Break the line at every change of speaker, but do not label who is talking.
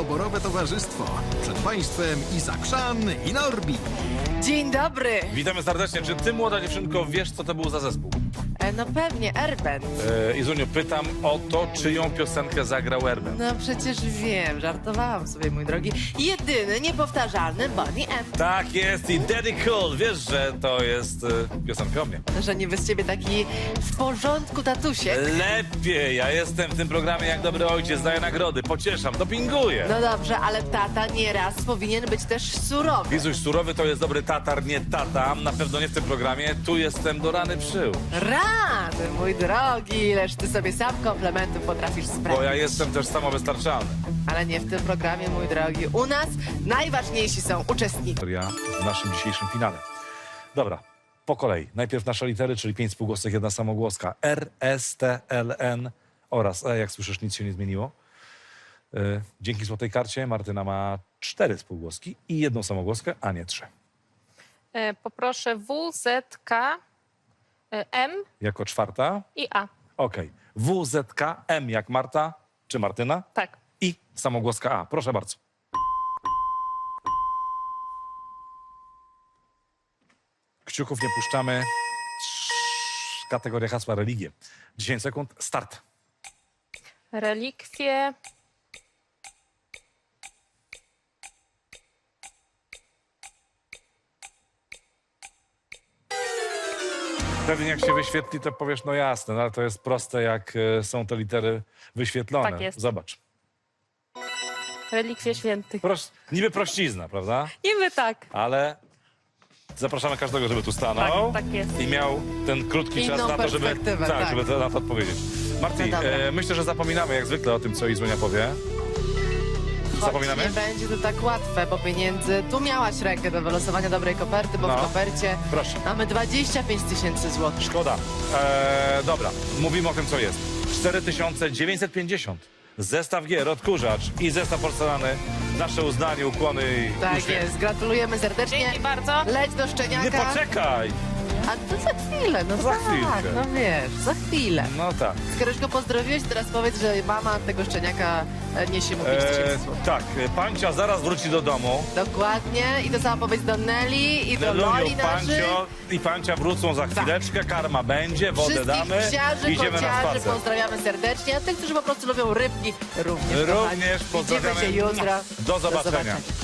doborowe towarzystwo. Przed Państwem Iza Chrzan i Norbi.
Dzień dobry.
Witamy serdecznie. Czy ty, młoda dziewczynko, wiesz, co to był za zespół?
No pewnie, Erben.
Izuniu, pytam o to, czyją piosenkę zagrał Erben.
No przecież wiem, żartowałam sobie, mój drogi. Jedyny, niepowtarzalny Bonnie M.
Tak jest i Daddy Cool. Wiesz, że to jest piosenka o mnie.
Że niby z ciebie taki w porządku tatusiek.
Lepiej. Ja jestem w tym programie jak dobry ojciec, daję nagrody, pocieszam, dopinguję.
No dobrze, ale tata nieraz powinien być też surowy.
Izuś, surowy to jest dobry tatar, nie tata. Na pewno nie w tym programie. Tu jestem do rany przył.
Rany, mój drogi, ileż ty sobie sam komplementów potrafisz sprawić.
Bo ja jestem też samowystarczalny.
Ale nie w tym programie, mój drogi. U nas najważniejsi są uczestnicy.
Ja w naszym dzisiejszym finale. Dobra, po kolei. Najpierw nasze litery, czyli 5 spółgłosek, jedna samogłoska. R, S, T, L, N oraz E. Jak słyszysz, nic się nie zmieniło. Dzięki złotej karcie Martyna ma 4 spółgłoski i jedną samogłoskę, a nie 3.
Poproszę W, Z, K, M
Jako czwarta.
i A.
Okej. W, Z, K, M jak Marta czy Martyna
Tak.
i samogłoska A. Proszę bardzo. Kciuków nie puszczamy. Kategoria hasła religie. 10 sekund. Start.
Relikwie,
Pewnie jak się wyświetli, to powiesz, no jasne, no ale to jest proste, jak są te litery wyświetlone.
Tak jest.
Zobacz.
relikwie świętych.
Niby prościzna, prawda?
Niby tak.
Ale zapraszamy każdego, żeby tu stanął.
Tak jest.
I miał ten krótki
Inną
czas na to, żeby,
perspektywę, tak.
żeby na to odpowiedzieć. Marti,
No dobra.
myślę, że zapominamy jak zwykle o tym, co Izunia powie. Zapominamy?
Nie będzie to tak łatwe, bo pieniędzy... Tu miałaś rękę do wylosowania dobrej koperty, bo
No.
w kopercie
Proszę.
mamy 25 000 złotych.
Szkoda. Dobra, mówimy o tym, co jest. 4950. Zestaw gier, odkurzacz i zestaw porcelany. Nasze uznanie, ukłony i
Tak
uśmiech.
jest, gratulujemy serdecznie.
Dzięki bardzo.
Leć do Szczeniaka.
Nie poczekaj!
A to za chwilę, no
Za
tak,
chwilkę.
no wiesz, za chwilę.
No tak.
Skoro już go pozdrowiłeś, teraz powiedz, że mama tego Szczeniaka niesie mu 5 000 złotych.
Tak, Pancia zaraz wróci do domu.
Dokładnie. I to sama powiedz do Nelly i do
Leluniu,
Loli naszych.
Pancio i Pancia wrócą za chwileczkę, karma będzie, wodę
Wszystkich
damy,
psiarzy,
idziemy na
kociarzy
spacer.
pozdrawiamy serdecznie, a tych, którzy po prostu lubią rybki, również kochani.
Również pozdrawiamy.
Widzimy się jutro.
Do zobaczenia.